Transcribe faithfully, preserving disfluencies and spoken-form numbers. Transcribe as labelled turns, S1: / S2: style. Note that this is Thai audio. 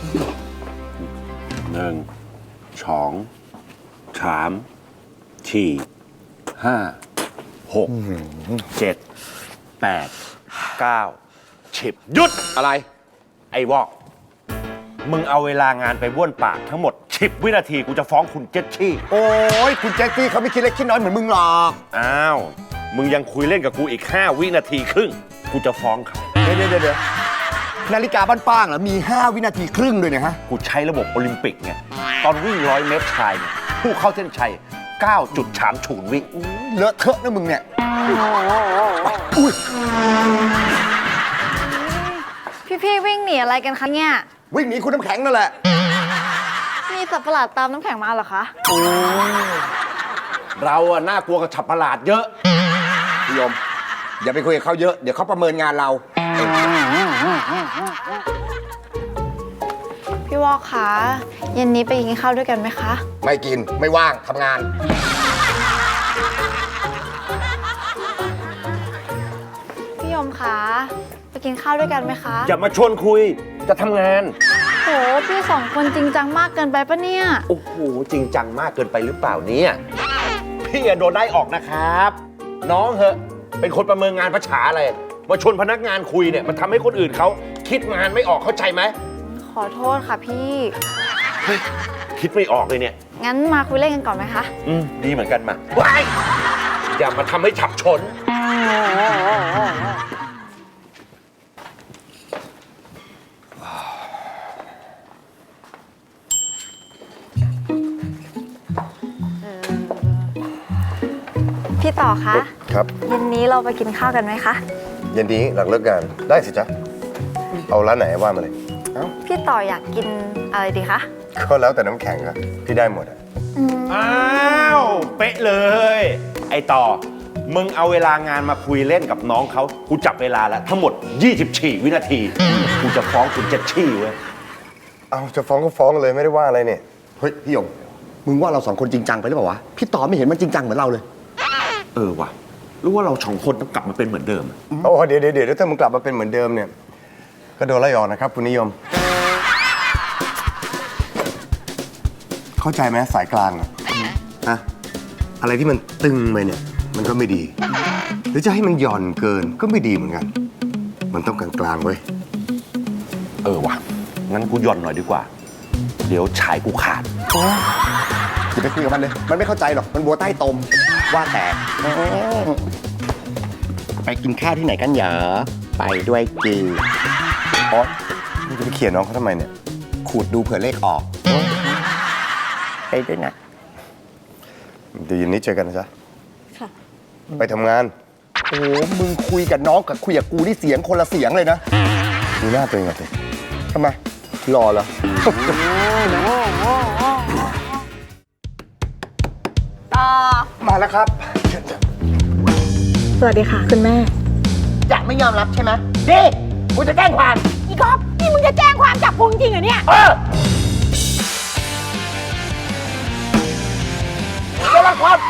S1: หนึ่งสองสามสี่ห้าหกเจ็ดแปดเก้าสิบหยุดอะไรไอ้วอกมึงเอาเวลางานไปบ้วนปากทั้งหมดสิบวินาทีกูจะฟ้องคุณเจษชี่
S2: โอ้ยคุณแจ็คกี้เขาไม่คิดเล็กคิดน้อยเหมือนมึงหรอก
S1: อ้าวมึงยังคุยเล่นกับกูอีกห้าวินาทีครึ่งกูจะฟ้องเขา
S2: เดี๋ยวเดี๋ยวเดี๋ยวนาฬิกาบ้านป้างเหรอมีห้าวินาทีครึ่งด้วยนะฮะ
S1: กูใช้ระบบโอลิมปิกไงตอนวิ่งร้อยเมตรชายเนี่ยผู้เข้าเส้นชัย เก้าจุดสามศูนย์ วิ
S2: เลอะเทอะนะมึงเนี่ยอุ้ย
S3: พี่ๆวิ่งหนีอะไรกันคะเนี่ย
S2: วิ่งหนีคุณน้ำแข็งนั่นแหละ
S3: มีสัตว์ประหลาดตามน้ำแข็งมาเหรอคะ
S2: โอ้
S1: เราอะน่ากลัวกับสัตว์ประหลาดเยอะ
S2: พี่ยมอย่าไปคุยกับเขาเยอะเดี๋ยวเขาประเมินงานเรา
S3: พี่วอกคะเย็นนี้ไปกินข้าวด้วยกันไหมคะ
S2: ไม่กินไม่ว่างทำงาน
S3: พี่ยมคะไปกินข้าวด้วยกันไหมคะ
S1: อย่ามาชวนคุยจะทำงาน
S3: โหพี่สองคนจริงจังมากเกินไปปะเนี่ย
S1: โอ้โหจริงจังมากเกินไปหรือเปล่าเนี่ยพี่โดนได้ออกนะครับน้องเหอะเป็นคนประเมินงานประฉาอะไรมาชวนพนักงานคุยเนี่ยมันทำให้คนอื่นเขาคิดงานไม่ออกเข้าใจไหม
S3: ขอโทษค่ะพี่
S1: เฮ้ยคิดไม่ออกเลยเนี่ย
S3: งั้นมาคุยเล่นกันก่อนไหมคะ
S1: อืมดีเหมือนกันมาว้ายอย่ามาทำให้ฉับฉน
S3: พี่ต่อคะ
S2: ครับ
S3: เย็นนี้เราไปกินข้าวกันไหมคะ
S2: เย็นนี้หลังเลิกงานได้สิจ๊ะเอาร้านไหนว่ามาเลย
S3: พี่ต่ออยากกินอะไรดีคะ
S2: ก็แล้วแต่น้ำแข็งครับพี่ได้หมดอ่ะ
S1: อ้าวเป๊ะเลยไอต่อมึงเอาเวลางานมาคุยเล่นกับน้องเขากูจับเวลาแล้วทั้งหมดยี่สิบสี่วินาทีกูจะฟ้องคุณเจษชี่เว้ย
S2: เอาจะฟ้องก็ฟ้องเลยไม่ได้ว่าอะไรเนี่ยเฮ้ยพี่ยงมึงว่าเราสองคนจริงจังไปหรือเปล่าวะพี่ต่อไม่เห็นมันจริงจังเหมือนเราเลย
S1: เออว่ะรู้ว่าเราสองคนต้องกลับมาเป็นเหมือนเดิม
S2: โอ้เดี๋ยวเดี๋ยวเดี๋ยวถ้ามึงกลับมาเป็นเหมือนเดิมเนี่ยก็โดนไล่ออกนะครับคุณนิยมเข้าใจไหมสายกลางอะฮะอะไรที่มันตึงไปเนี่ยมันก็ไม่ดีหรือจะให้มันหย่อนเกินก็ไม่ดีเหมือนกันมันต้องกลางกลางเว้ย
S1: เออว่ะงั้นกูหย่อนหน่อยดีกว่าเดี๋ยวฉายกูขาด
S2: อย่าไปคุยกับมันเลยมันไม่เข้าใจหรอกมันบัวใต้ตมว่าแต่ไปกินข้าวที่ไหนกันเหรอไปด้วยจีอ๋อมึงจะไปเขียนน้องเขาทำไมเนี่ยขูดดูเผื่อเลขออกไปด้วยนะเดี๋ยวเย็นนี้เจอกันนะจ๊ะ
S3: ค่ะ
S2: ไปทำงานโอ้มึงคุยกับน้องกับคุยกับกูนี่เสียงคนละเสียงเลยนะดูหน้าตัวเองก่อนสิทำไมรอเหรอ
S3: ต่อ
S2: มาแล้วครับ
S3: สวัสดีค่ะคุณแม่
S2: จะไม่ยอมรับใช่ไหมดิกูจะแจ้งความ
S3: อีก๊อฟนี่มึงจะแจ้งความจับกูจริงเหรอเนี่ย
S2: เออจะรับความ